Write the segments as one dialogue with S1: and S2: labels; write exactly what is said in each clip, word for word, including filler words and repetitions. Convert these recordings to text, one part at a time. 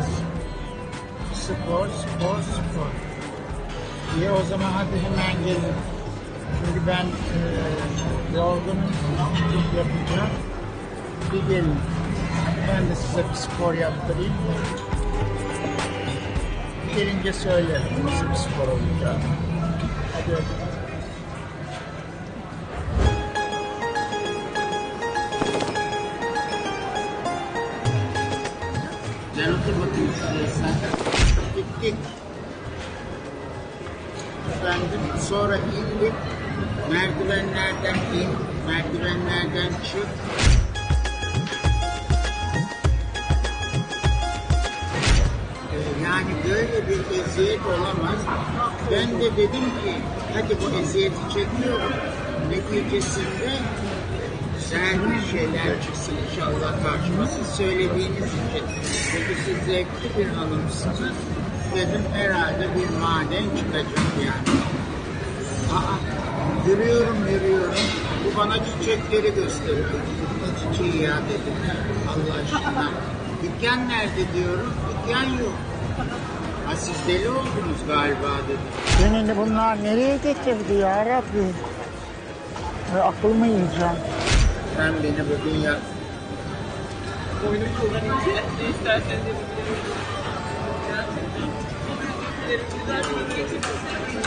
S1: Spor, spor, spor. İyi o zaman hadi hemen gelin. Çünkü ben e, yorgunum, çok yapacağım. Bir gelin. Ben de size bir spor yaptırayım. Gelince söylerim nasıl bir spor olacak. Hadi hadi. Gel otur bakayım şuraya sen. Gittik. Efendim sonra indik. Merdivenlerden in. Merdivenlerden çık. Ee, yani böyle bir eziyet olamaz. Ben de dedim ki hadi bu eziyeti çekiyorum. Neticesinde güzel bir şeyler çıksın inşallah karşıma. Siz söylediğiniz için. Çünkü siz zevkli bir hanımsınız. Dedim herhalde bir maden çıkacak yani. Aa, yürüyorum yürüyorum. Bu bana çiçekleri gösteriyor. Ne çiçeği ya dedim. Allah aşkına. Dükkan nerede diyorum. Dükkan yok. Ha siz deli oldunuz galiba dedim. Beni bunlar nereye getirdi ya Rabbi? Ve aklımı yiyeceğim. Sen beni bugün ya...
S2: Oyunu kullanınca ne isterseniz yapabilirim. Gerçekten güzel bir geçirdim.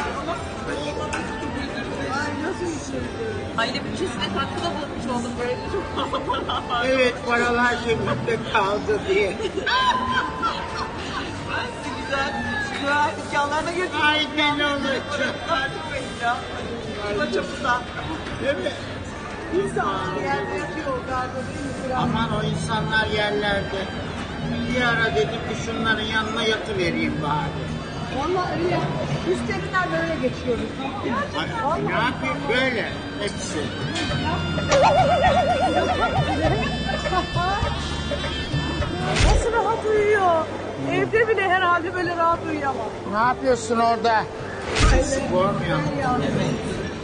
S2: Ay nasıl bir şeydi? Aile bütçesine katkıda bulmuş oldum böyle çok fazla para var.
S1: Evet paralar cebimde kaldı diye.
S2: Ben sizi güzel, güzel dükkanlarına götürdüm.
S1: Aynen olacak.
S2: Artık benim ya. Kima çapında.
S1: Değil mi?
S2: İnsanlar yerde yatıyor galiba değil mi?
S1: Aman o insanlar yerlerde. Bir ara dedim ki şunların yanına yatıvereyim bari.
S3: Vallahi öyle. Üstlerinden böyle geçiyoruz.
S1: Ay, ne yapayım böyle hepsi.
S3: Nasıl rahat uyuyor? Evde bile herhalde böyle rahat uyuyamam.
S1: Ne yapıyorsun orada? Spor mu yapıyorsun?
S2: Evet.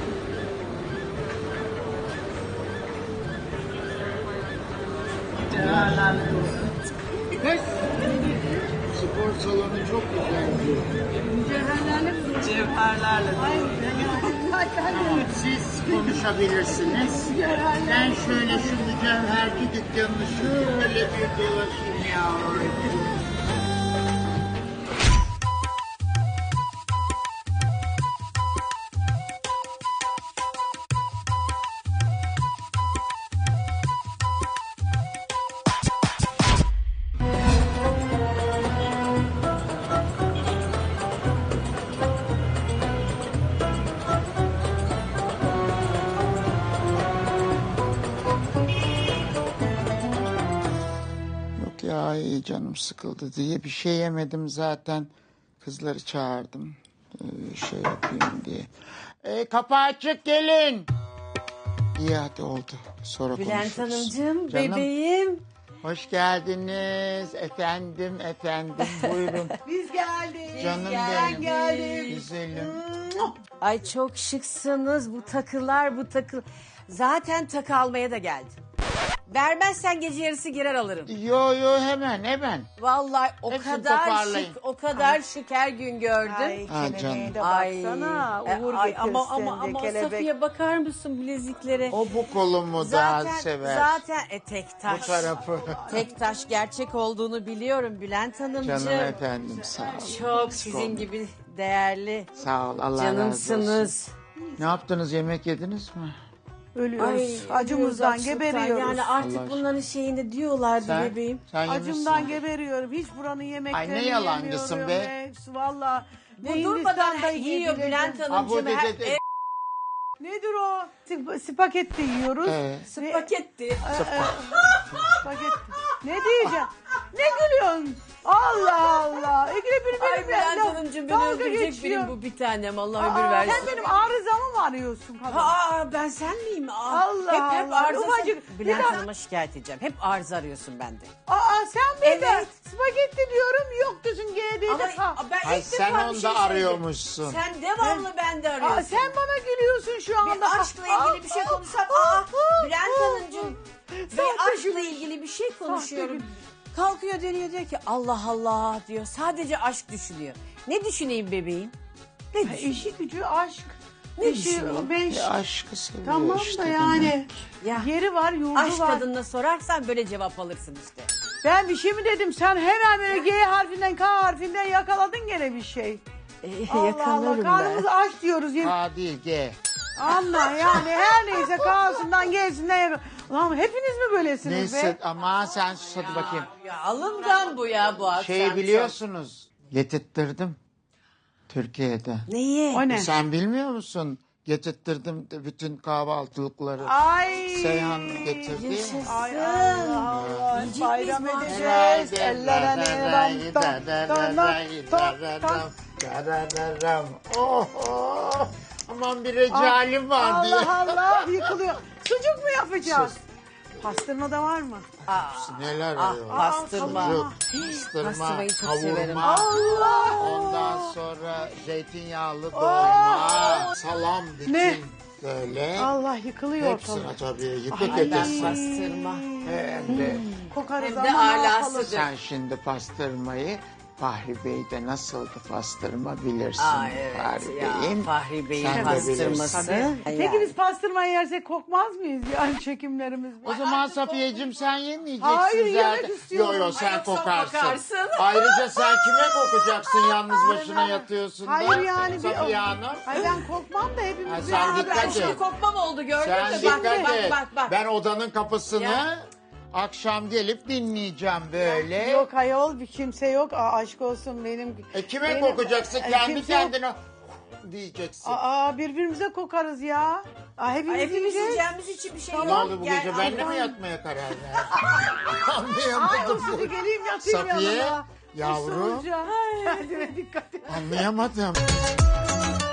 S2: Cevherlerle dolu.
S1: Kız. Spor salonu çok güzel.
S3: Cevherlerle mi?
S2: Cevherlerle dolu.
S1: Tamam, siz konuşabilirsiniz. Ben şöyle şu mücevherci dükkanını şöyle bir dolaşayım yavrum. Ya iyi canım sıkıldı diye bir şey yemedim zaten. Kızları çağırdım. Ee, şey yapayım diye. Ee, kapı açık gelin. İyi hadi oldu. Sonra
S4: Bülent
S1: konuşuruz.
S4: Hanımcığım,
S1: Canım,
S4: bebeğim.
S1: hoş geldiniz. Efendim efendim buyurun.
S3: Biz geldik.
S1: Canım
S3: Ben
S1: benim.
S3: geldim.
S1: Güzelim.
S4: Ay çok şıksınız bu takılar bu takı. Zaten takı almaya da geldim. Vermezsen gece yarısı girer alırım.
S1: Yo yo hemen hemen.
S4: Vallahi o
S1: Hepsini
S4: kadar
S1: toparlayın.
S4: şık, o kadar şık her gün gördüm.
S3: Ay
S1: Ha,
S3: kelebeğe
S1: canım.
S3: de
S4: Ay,
S3: baksana.
S4: e,
S3: Uğur
S4: ay,
S3: getirsin
S4: ama ama
S3: de
S4: ama
S3: kelebek.
S4: Safiye bakar mısın bileziklere?
S1: O bu kolumu
S4: zaten
S1: daha sever.
S4: zaten e, tek
S1: Bu
S4: taş.
S1: tarafı.
S4: Tek taş gerçek olduğunu biliyorum Bülent Hanımcığım.
S1: Canım efendim sağ ol.
S4: Çok sizin gibi değerli
S1: Sağ ol Allah razı olsun.
S4: canımsınız.
S1: Ne yaptınız yemek yediniz mi?
S3: Ölüyoruz.
S4: Ay,
S3: Acımızdan
S4: ölüyoruz,
S3: geberiyoruz.
S4: Yani artık
S1: Allah
S4: bunların şeyini diyorlardı
S1: Sen,
S4: bebeğim.
S1: sen
S3: Acımdan
S1: yemişsin.
S3: geberiyorum. Hiç buranın yemeklerini
S1: Ay, ne yalancısın
S3: yemiyorum.
S1: be.
S3: Hepsi valla.
S4: Bu durmadan yiyor Bülent
S1: Ha, bu
S4: Hanımcığım.
S1: de-
S4: Her,
S1: de- de-
S4: e,
S3: Nedir o? Sp- spagetti yiyoruz.
S1: Ee,
S4: spagetti.
S3: Spagetti. Ne diyeceğim? Ne gülüyorsun? Allah Allah. İkide bir
S4: Ay
S3: benim
S4: Bülent
S3: laf-
S4: Hanımcığım beni
S3: dalga
S4: öldürecek
S3: geçiyor.
S4: benim bu bir tanem. Allah ömür
S3: Aa,
S4: versin.
S3: sen benim arızamı mı arıyorsun kadın?
S4: Aa ben sen miyim? Aa,
S3: Allah
S4: hep hep
S3: Allah.
S4: arıza.
S3: Ufacık-
S4: Bülent
S3: Bir daha-
S4: Hanım'a şikayet edeceğim. Hep arıza arıyorsun bende.
S3: Aa sen mi de
S4: Evet.
S3: spagetti diyorum yok diyorsun G D'de.
S4: Ama ben
S1: Ay
S4: ilk
S1: sen
S4: defa bir
S1: onda
S4: şey söyledim.
S1: arıyormuşsun.
S4: Sen devamlı bende arıyorsun.
S3: Aa, sen bana gülüyorsun şu anda.
S4: Bir aşkla ilgili bir şey konuşsam. Aa Bülent Hanımcığım. Bir
S3: Sahte
S4: aşkla
S3: gülüş.
S4: ilgili bir şey konuşuyorum.
S3: gülüş.
S4: Kalkıyor dönüyor diyor ki Allah Allah diyor. Sadece aşk düşünüyor. Ne düşüneyim bebeğim? Ne
S3: Ha,
S4: düşüneyim?
S3: İşi gücü aşk.
S4: Ne
S3: İşi,
S4: düşüneyim?
S3: beş.
S1: E, aşkı seviyor
S3: Tamam
S1: işte
S3: da
S1: demek.
S3: yani.
S4: Ya.
S3: Yeri var, yurdu
S4: Aşk
S3: var.
S4: kadınına sorarsan böyle cevap alırsın işte.
S3: Ben bir şey mi dedim? Sen hemen böyle G harfinden K harfinden yakaladın gene bir şey.
S4: E,
S3: Allah Allah,
S4: yakalarım
S3: karnımız
S4: ben.
S3: aç diyoruz. Yemin-
S1: K değil G.
S3: Allah yani her neyse K'sından G'sinden yakal. Ulan hepiniz mi böylesiniz
S1: Neyse
S3: be?
S1: ama sen sus hadi bakayım.
S4: Ya alımdan bu ya bu akşam.
S1: Şey biliyorsunuz. Getirttirdim. Türkiye'de.
S4: Neyi?
S3: O ne?
S1: Sen bilmiyor musun? Getirttirdim de bütün kahvaltılıkları.
S3: Ay.
S1: Seyhan getirdi.
S4: Yaşasın.
S3: Ay Allah Allah.
S4: Yiyecek
S3: Bayram
S4: miyiz bu
S3: edeceğiz. Ellere ram tam tam tam tam tam.
S1: Oh, oh. Aman bir recalim var diye.
S3: Allah Allah yıkılıyor. Sucuk mu yapacağız?
S1: Sus.
S3: Pastırma da var mı?
S4: Aa,
S1: Neler
S4: ah,
S1: arıyor?
S4: pastırma.
S1: Sucuk, pastırma,
S4: Pastırmayı çok severim.
S1: kavurma.
S3: Allah.
S1: Ondan sonra zeytinyağlı dolma, salam bütün
S3: Ne?
S1: böyle.
S3: Allah yıkılıyor
S1: Hepsine
S3: ortalık.
S1: tabii yıkık
S3: Ay,
S4: ben
S1: edesin.
S4: pastırma.
S1: Hem de
S3: Kokarız
S4: Hem de
S3: ama ne
S4: alası.
S3: yapalım?
S1: sen şimdi pastırmayı Fahri Bey'de nasıldı pastırma bilirsin.
S4: Aa, evet
S1: Fahri
S4: ya,
S1: Bey'in.
S4: Fahri Bey'in
S1: Sen de
S4: pastırması.
S1: bilirsin.
S4: Yani.
S3: Peki biz pastırmayı yersek kokmaz mıyız yani çekimlerimiz?
S1: O zaman Safiyeciğim sen yemeyeceksin
S3: Hayır, yemek
S1: zaten.
S3: istiyorum.
S1: Yo yo sen
S4: Ay, yoksa
S1: kokarsın.
S4: kokarsın.
S1: Ayrıca sen kime kokacaksın yalnız başına yatıyorsun da.
S3: Hayır yani bir...
S1: Safiye Hanım.
S3: Ay ben kokmam da
S1: Ha,
S3: hepimiz...
S1: sen
S4: Aa,
S1: dikkat
S4: ben
S1: et.
S4: şimdi kokmam oldu gördün
S1: Sen
S4: mü?
S1: dikkat
S4: Bak bak
S1: et.
S4: bak bak.
S1: Ben odanın kapısını
S4: Ya.
S1: akşam gelip dinleyeceğim böyle.
S3: Yok ayol bir kimse yok. Aa, aşk olsun benim...
S1: E kime
S3: benim-
S1: kokacaksın?
S3: E,
S1: Kendi
S3: kimse yok.
S1: kendine diyeceksin.
S3: Aa birbirimize kokarız ya. Aa, hepimiz,
S4: Ay, hepimiz
S3: yiyeceğiz.
S4: yiyeceğimiz için bir şey
S1: Ne
S4: yok.
S1: oldu bu
S4: Gel,
S1: gece benimle mi
S4: ay,
S1: yatmaya karar verdin?
S3: Ay
S1: Anlayamadım.
S3: usulü geleyim yatayım
S1: Safiye,
S3: yanına.
S1: yavrum.
S3: Usulca. Kendine dikkat et.
S1: Anlayamadım.